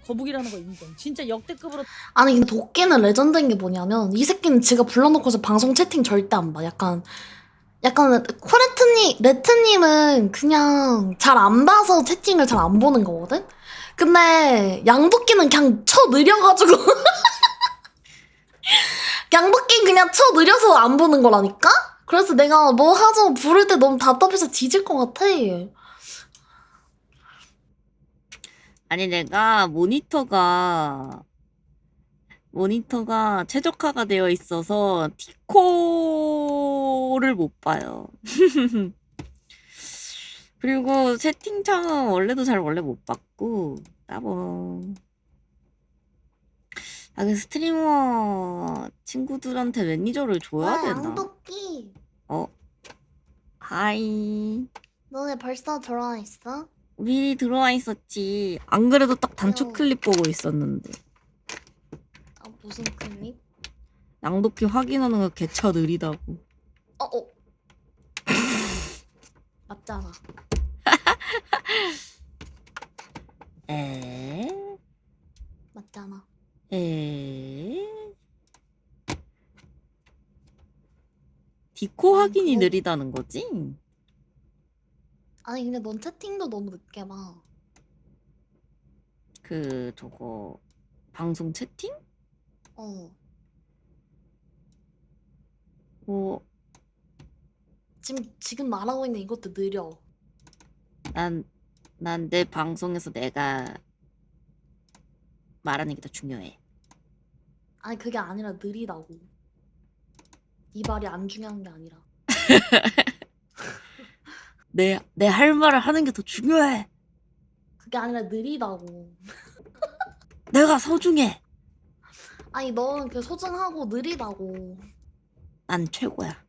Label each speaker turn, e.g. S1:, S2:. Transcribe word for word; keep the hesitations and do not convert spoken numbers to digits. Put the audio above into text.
S1: 거북이라는 거 인정. 진짜 역대급으로.
S2: 아니 근데 도끼는 레전드인 게 뭐냐면 이 새끼는 지가 불러놓고서 방송 채팅 절대 안 봐. 약간 약간 코레트님, 레트님은 그냥 잘 안 봐서 채팅을 잘 안 보는 거거든? 근데 양도끼는 그냥 쳐 느려가지고 양도끼는 그냥 쳐 느려서 안 보는 거라니까? 그래서 내가 뭐 하죠 부를 때 너무 답답해서 뒤질 것 같아.
S3: 아니 내가 모니터가 모니터가 최적화가 되어 있어서 티코를 못 봐요. 그리고 채팅창은 원래도 잘 원래 못 봤고 따봉. 아, 그 스트리머 친구들한테 매니저를 줘야 되나?
S2: 양도끼
S3: 어? 하이.
S2: 너네 벌써 들어와 있어?
S3: 미리 들어와 있었지. 안 그래도 딱 단축
S2: 어.
S3: 클립 보고 있었는데.
S2: 아 무슨 클립?
S3: 양도끼 확인하는 거 개차 느리다고.
S2: 어 어. 맞잖아.
S3: 에?
S2: 맞잖아.
S3: 에? 디코
S2: 음,
S3: 확인이
S2: 그거-
S3: 느리다는 거지?
S2: 아니 근데 넌 채팅도 너무 늦게 봐.
S3: 그 저거 방송 채팅?
S2: 어.
S3: 뭐
S2: 지금 지금 말하고 있는 이것도 느려.
S3: 난 난 내 방송에서 내가 말하는 게 더 중요해.
S2: 아니 그게 아니라 느리다고. 이 말이 안 중요한 게 아니라.
S3: 내 내 할 말을 하는 게 더 중요해.
S2: 그게 아니라 느리다고.
S3: 내가 소중해.
S2: 아니 너는 그 소중하고 느리다고.
S3: 난 최고야.